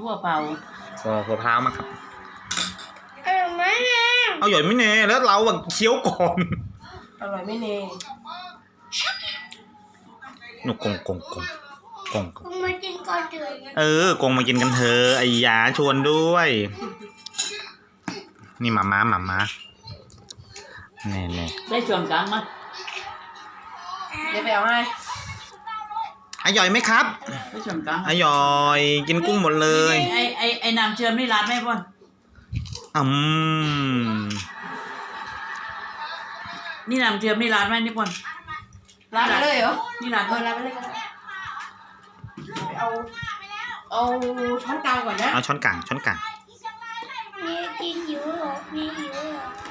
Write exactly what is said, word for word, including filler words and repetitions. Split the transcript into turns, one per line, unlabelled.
ถั่วเปล่า
ก็หัวพร้าวมาครับ
อร่อยไหมเนี่ย
เอาหย่อยไม่เนแล้วเราแบบเคี้ยวก่อน
อร่อยไม่เน่
หนุกกงกงกงกง
กงมากินก่อนเถอะ
เออกงมากินกันเถอะไอ้ยาชวนด้วยนี่หมาม้าหมาม้าแน่แน่
ได้ชวนกลางมั้ยเดี๋ยวไปเอาให้
อร่อยไหมครับ
ได้ชวนกลาง
อร่อยกินกุ้งหมดเลย
ไอไอไอน้ำเชื่อมนี่ร้านแม่ป่ะ
อืม
นี่น้ำเชื่อมนี่ร้านแม่นี่ป่ะร้านเลยเหรอนี่ร้านเออร้านไปเลยเอาเอาช้อนกลางก่อนนะ
เอาช้อนกลางช้อนกลาง
นี่กินหิวหรอนี่หิวหรอ